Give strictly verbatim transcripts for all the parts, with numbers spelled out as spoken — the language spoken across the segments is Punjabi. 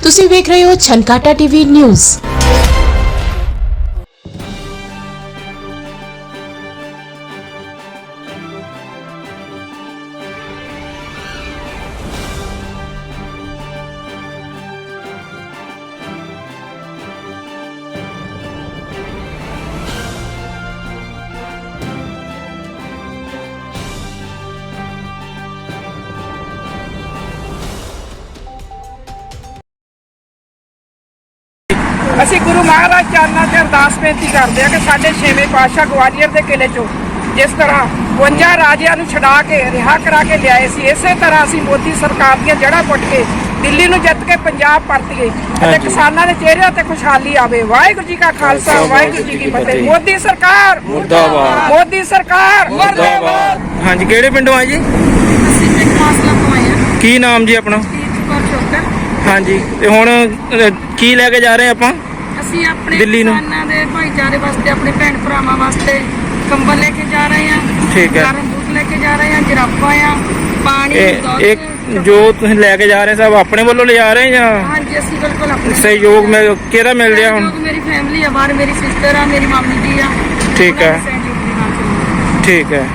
ਤੁਸੀਂ ਵੇਖ ਰਹੇ ਹੋ ਛਨਕਾਟਾ ਟੀਵੀ ਨਿਊਜ਼। ਅਸੀਂ ਗੁਰੂ ਮਹਾਰਾਜ ਚਰਨਾਂ 'ਚ ਅਰਦਾਸ ਬੇਨਤੀ ਕਰਦੇ ਹਾਂ ਕਿ ਸਾਡੇ ਛੇਵੇਂ ਪਾਤਸ਼ਾਹ ਗਵਾਲੀਅਰ ਦੇ ਕਿਲੇ 'ਚੋਂ ਜਿਸ ਤਰ੍ਹਾਂ ਬਵੰਜਾ ਰਾਜਿਆਂ ਨੂੰ ਛਡਾ ਕੇ ਰਿਹਾ ਕਰਾ ਕੇ ਲਿਆਏ ਸੀ, ਇਸੇ ਤਰ੍ਹਾਂ ਅਸੀਂ ਮੋਦੀ ਸਰਕਾਰ ਦੀਆਂ ਜੜ੍ਹਾਂ ਪੁੱਟ ਕੇ ਦਿੱਲੀ ਨੂੰ ਜਿੱਤ ਕੇ ਪੰਜਾਬ ਪਰਤੀਏ ਅਤੇ ਕਿਸਾਨਾਂ ਦੇ ਚਿਹਰਿਆਂ ਤੇ ਖੁਸ਼ਹਾਲੀ ਆਵੇ। ਵਾਹਿਗੁਰੂ ਜੀ ਕਾ ਖਾਲਸਾ, ਵਾਹਿਗੁਰੂ ਜੀ ਕੀ ਫਤਿਹ। ਮੋਦੀ ਸਰਕਾਰ ਮੁਰਦਾਬਾਦ, ਮੋਦੀ ਸਰਕਾਰ ਮੁਰਦਾਬਾਦ। ਹਾਂਜੀ, ਕਿਹੜੇ ਪਿੰਡੋਂ ਆਏ ਜੀ? ਅਸੀਂ ਪਿੰਡ ਮਾਸਲਾ ਤੋਂ ਆਏ ਹਾਂ। ਕੀ ਨਾਮ ਜੀ ਆਪਣਾ? ਚੋਕਰ। ਹਾਂਜੀ, ਤੇ ਹੁਣ ਅ, ਕੀ ਲੈ ਕੇ ਜਾ ਰਹੇ ਆਪਾਂ ਅਸੀਂ ਆਪਣੇ ਦਿੱਲੀ ਨੂੰ? ਕਿਸਾਨਾਂ ਦੇ ਭਾਈਚਾਰੇ ਵਾਸਤੇ, ਆਪਣੇ ਭੈਣ ਭਰਾਵਾਂ ਵਾਸਤੇ ਕੰਬਲ ਲੈ ਕੇ ਜਾ ਰਹੇ ਹਾਂ। ਠੀਕ ਹੈ। ਗਰਮ ਬੂਟ ਲੈ ਕੇ ਜਾ ਰਹੇ ਹਾਂ, ਜਰਾਬਾਂ ਆ, ਪਾਣੀ, ਇਹ ਦੁੱਧ। ਇੱਕ ਜੋ ਤੁਸੀਂ ਲੈ ਕੇ ਜਾ ਰਹੇ ਸਭ ਆਪਣੇ ਵੱਲੋਂ ਲਿਜਾ ਰਹੇ ਜਾਂ ਹਾਂਜੀ, ਅਸੀਂ ਬਿਲਕੁਲ ਆਪਣੇ ਸਹਿਯੋਗ ਮਿਲ ਕਿਹਦਾ ਮਿਲ ਰਿਹਾ ਹੁਣ? ਸਹਿਯੋਗ ਮੇਰੀ ਫੈਮਿਲੀ ਆ ਬਾਹਰ, ਮੇਰੀ ਸਿਸਟਰ ਆ, ਮੇਰੀ ਮਾਮੀ ਜੀ ਆ। ਠੀਕ ਹੈ। ਉਹਨਾਂ ਦੇ ਸਹਿਯੋਗ ਦੇ ਨਾਲ ਚੱਲਦੇ ਠੀਕ ਹੈ।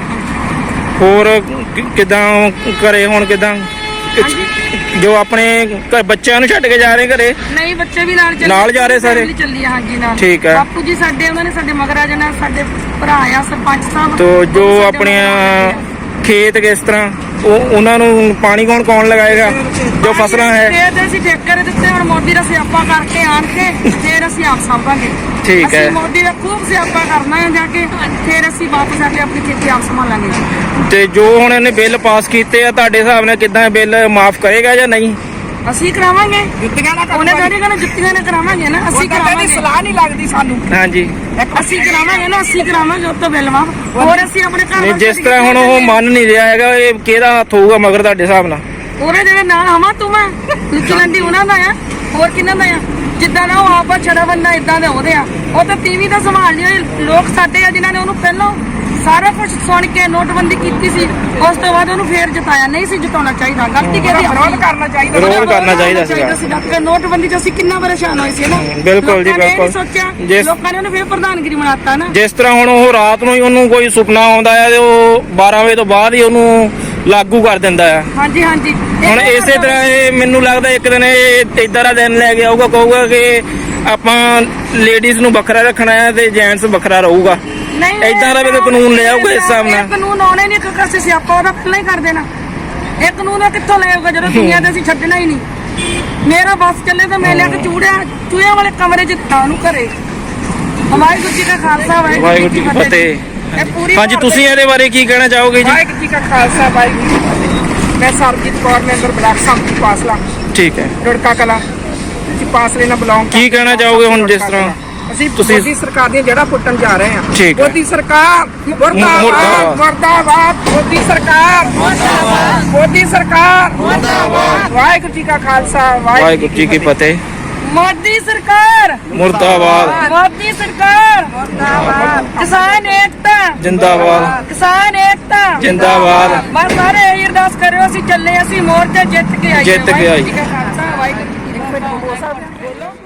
ਹੋਰ ਕਿ- ਕਿੱਦਾਂ ਘਰੇ ਹੁਣ ਕਿੱਦਾਂ ਹਾਂਜੀ। ਜੋ ਆਪਣੇ ਘਰ ਬੱਚਿਆਂ ਨੂੰ ਛੱਡ ਕੇ ਜਾ ਰਹੇ ਘਰੇ? ਨਹੀਂ, ਬੱਚੇ ਵੀ ਨਾਲ ਚੱਲੇ, ਨਾਲ ਜਾ ਰਹੇ ਸਾਰੇ? family ਚੱਲੀ ਆ, ਹਾਂਜੀ ਨਾਲ। ਠੀਕ ਹੈ। ਬਾਪੂ ਜੀ ਸਾਡੇ, ਉਹਨਾਂ ਨੇ ਸਾਡੇ ਮਗਰ ਆ ਜਾਣਾ, ਸਾਡੇ ਭਰਾ ਆ ਸਰਪੰਚ ਸਾਹਿਬ। ਤੋ ਜੋ ਉਹ ਸਾਡੇ ਆਪਣੀਆਂ ਮਗਰ ਆ ਖੇਤ ਕਿਸ ਤਰ੍ਹਾਂ ਉਹ ਉਹਨਾਂ ਨੂੰ ਪਾਣੀ ਕੌਣ ਕੌਣ ਲਗਾਏਗਾ ਜੋ ਫਸਲਾਂ ਹੈ? ਖੇਤ ਅਸੀਂ ਠੇਕੇ ਦਿੱਤੇ, ਹੁਣ ਮੋਦੀ ਦਾ ਸਿਆਪਾ ਕਰਕੇ ਆਣ ਕੇ ਫਿਰ ਅਸੀਂ ਆਪ ਸਾਂਭਾਂਗੇ। ਠੀਕ ਹੈ। ਅਸੀਂ ਮੋਦੀ ਦਾ ਖੂਬ ਸਿਆਪਾ ਕਰਨਾ ਹੈ ਜਾ ਕੇ, ਫਿਰ ਅਸੀਂ ਵਾਪਸ ਆ ਕੇ ਆਪਣੀ ਖੇਤੀ ਆਪ ਸੰਭਾਲਾਂਗੇ। ਤੇ ਜੋ ਹੁਣ ਇਹਨੇ ਬਿੱਲ ਪਾਸ ਕੀਤੇ ਆ, ਤੁਹਾਡੇ ਹਿਸਾਬ ਨਾਲ ਕਿੱਦਾਂ ਇਹ ਬਿੱਲ ਮਾਫ ਕਰੇਗਾ ਜਾਂ ਨਹੀਂ? ਅਸੀਂ ਕਰਾਵਾਂਗੇ, ਜੁੱਤੀਆਂ ਨਾਲ ਉਹਨੇ ਜਿਹੜੇ ਕਹਿੰਦੇ ਜੁੱਤੀਆਂ ਨਾਲ ਕਰਾਵਾਂਗੇ ਨਾ, ਅਸੀਂ ਕਰਾਵਾਂਗੇ। ਸਲਾਹ ਨਹੀਂ ਲੱਗਦੀ ਸਾਨੂੰ। ਹਾਂਜੀ, ਅਸੀਂ ਕਰਾਵਾਂਗੇ ਨਾ, ਅਸੀਂ ਕਰਾਵਾਂਗੇ ਉਹ ਤੋਂ ਬਿੱਲ ਮਾਫ। ਹੋਰ ਅਸੀਂ ਆਪਣੇ ਘਰ ਨਹੀਂ, ਵਾਸਤੇ ਜਿਸ ਤਰ੍ਹਾਂ ਹੁਣ ਉਹ ਮੰਨ ਨਹੀਂ ਰਿਹਾ ਹੈਗਾ, ਇਹ ਕਿਹਦਾ ਹੱਥ ਹੋਊਗਾ ਮਗਰ ਤੁਹਾਡੇ ਹਿਸਾਬ ਨਾਲ? ਉਹਦੇ ਜਿਹੜੇ ਨਾਲ ਹਵਾ ਤੂੰ ਮੈਂ ਲੁੱਚੀ ਲੰਡੀ ਉਹਨਾਂ ਦਾ ਆ, ਹੋਰ ਕਿਹਨਾਂ ਦਾ ਆ? ਜਿੱਦਾਂ ਦਾ ਉਹ ਆਪਾ ਛੜਾ ਬੰਦਾ ਇਦਾਂ ਦੇ ਉਹਦੇ ਆ। ਉਹ ਤਾਂ ਟੀਵੀ ਦਾ ਸੰਭਾਲ ਲਿਆ। ਲੋਕ ਸਾਡੇ ਆ ਜਿਨ੍ਹਾਂ ਨੇ ਉਹਨੂੰ ਪਹਿਲਾਂ ਸਾਰਾ ਕੁਝ ਸੁਣ ਕੇ ਨੋਟਬੰਦੀ ਕੀਤੀ ਸੀ, ਉਸ ਤੋਂ ਬਾਅਦ ਉਹਨੂੰ ਫੇਰ ਜਿਤਾਇਆ। ਨਹੀਂ ਸੀ ਜਿਤਾਉਣਾ ਚਾਹੀਦਾ, ਗਲਤੀ ਕਿਹਦੀ? ਵਿਰੋਧ ਕਰਨਾ ਚਾਹੀਦਾ, ਵਿਰੋਧ ਕਰਨਾ ਚਾਹੀਦਾ ਸੀਗਾ। ਕਿ ਨੋਟਬੰਦੀ 'ਚ ਅਸੀਂ ਕਿੰਨਾ ਪਰੇਸ਼ਾਨ ਹੋਏ ਸੀ ਨਾ। ਬਿਲਕੁਲ ਜੀ, ਲੋਕਾਂ ਨੇ ਇਹ ਨਹੀਂ ਬਿਲਕੁਲ। ਸੋਚਿਆ, ਜਿਸ- ਲੋਕਾਂ ਨੇ ਉਹਨੂੰ ਫੇਰ ਪ੍ਰਧਾਨਗੀ ਬਣਾਤਾ ਨਾ। ਜਿਸ ਤਰ੍ਹਾਂ ਹੁਣ ਉਹ ਰਾਤ ਨੂੰ ਹੀ ਉਹਨੂੰ ਕੋਈ ਸੁਪਨਾ ਆਉਂਦਾ ਹੈ ਤੇ ਉਹ ਬਾਰਾਂ ਵਜੇ ਤੋਂ ਬਾਅਦ ਹੀ ਉਹਨੂੰ ਲਾਗੂ ਕਰ ਦਿੰਦਾ ਹੈ। ਹਾਂਜੀ ਹਾਂਜੀ। ਹੁਣ ਇਸੇ ਤਰ੍ਹਾਂ ਇਹ ਮੈਨੂੰ ਲੱਗਦਾ ਇੱਕ ਦਿਨ ਇਹ ਏਦਾਂ ਦਾ ਦਿਨ ਲੈ ਕੇ ਆਊਗਾ, ਕਹੂਗਾ ਕਿ ਆਪਾਂ ਲੇਡੀਜ਼ ਨੂੰ ਵੱਖਰਾ ਰੱਖਣਾ ਹੈ ਤੇ ਜੈਂਟਸ ਵੱਖਰਾ ਰਹੂਗਾ। ਨਹੀਂ, ਏਦਾਂ ਦਾ ਵੀ ਤਾਂ ਕਾਨੂੰਨ ਲੈ ਆਊਗਾ ਇਸ ਹਿਸਾਬ ਨਾਲ। ਇਹ ਕਾਨੂੰਨ ਆਉਣੇ ਨਹੀਂ, ਕਿਉਂਕਿ ਅਸੀਂ ਸਿਆਪਾ ਉਹਦਾ ਪਹਿਲਾਂ ਹੀ ਕਰ ਦੇਣਾ। ਇਹ ਕਾਨੂੰਨ ਉਹ ਕਿੱਥੋਂ ਲੈ ਆਊਗਾ ਜਦੋਂ ਦੁਨੀਆ ਤੇ ਅਸੀਂ ਛੱਡਣਾ ਹੀ ਨਹੀਂ। ਮੇਰਾ ਬੱਸ ਚੱਲੇ ਤਾਂ ਮੈਂ ਲਿਆ ਕੇ ਚੂੜਿਆ ਚੂਹਿਆਂ ਵਾਲੇ ਕਮਰੇ 'ਚ ਦਿੱਤਾ ਉਹਨੂੰ ਘਰੇ। ਵਾਹਿਗੁਰੂ ਜੀ ਕਾ ਖਾਲਸਾ, ਵਾਹਿਗੁਰੂ ਜੀ ਕੀ ਫਤਿਹ। ਇਹ ਪੂਰੀ ਹਾਂਜੀ, ਤੁਸੀਂ ਇਹਦੇ ਬਾਰੇ ਕੀ ਕਹਿਣਾ ਚਾਹੋਗੇ ਜੀ? ਵਾਹਿਗੁਰੂ ਜੀ ਕਾ ਖਾਲਸਾ, ਵਾਹਿਗੁਰੂ ਜੀ ਕੀ ਫਤਿਹ। ਮੈਂ ਸਰਬਜੀਤ ਕੌਰ, ਮੈਂਬਰ ਬਲਾਕ ਸੰਮਤੀ ਪਾਸਲਾ, ਠੀਕ ਹੈ। ਰੁੜਕਾ ਕਲਾ ਜੀ, ਪਾਸਲੇ ਨਾਲ ਬਿਲੋਂਗ। ਕੀ ਕਹਿਣਾ ਚਾਹੋਗੇ ਹੁਣ ਜਿਸ ਤਰ੍ਹਾਂ ਅਸੀਂ ਤੁਸੀਂ- ਮੋਦੀ ਸਰਕਾਰ ਦੀਆਂ ਜੜ੍ਹਾਂ ਪੁੱਟਣ ਜਾ ਰਹੇ ਹਾਂ? ਠੀਕ ਹੈ। ਮੋਦੀ ਸਰਕਾਰ ਮੁਰਦਾਬਾਦ, ਮੁਰਦਾਬਾਦ। ਮੁਰਦਾਬਾਦ। ਮੋਦੀ ਸਰਕਾਰ ਮੁਰਦਾਬਾਦ, ਮੋਦੀ ਸਰਕਾਰ ਮੁਰਦਾਬਾਦ। ਵਾਹਿਗੁਰੂ ਜੀ ਕਾ ਖਾਲਸਾ, ਵਾਹਿਗੁਰੂ ਜੀ ਕੀ ਫਤਿਹ। ਮੋਦੀ ਸਰਕਾਰ ਮੁਰਦਾਬਾਦ, ਮੋਦੀ ਸਰਕਾਰ ਮੁਰਦਾਬਾਦ। ਕਿਸਾਨ ਏਕਤਾ ਜਿੰਦਾਬਾਦ, ਕਿਸਾਨ ਏਕਤਾ ਜਿੰਦਾਬਾਦ। ਬਸ ਸਾਰੇ ਇਹ ਅਰਦਾਸ ਕਰਿਓ, ਅਸੀਂ ਚੱਲੇ, ਅਸੀਂ ਮੋਰਚਾ ਜਿੱਤ ਕੇ ਆਈਏ। ਜਿੱਤ ਕੇ ਆਈਏ। ਵਾਹਿਗੁਰੂ ਜੀ ਕਾ ਖਾਲਸਾ, ਵਾਹਿਗੁਰੂ ਜੀ ਕੀ ਫਤਿਹ। ਬੋਲੋ।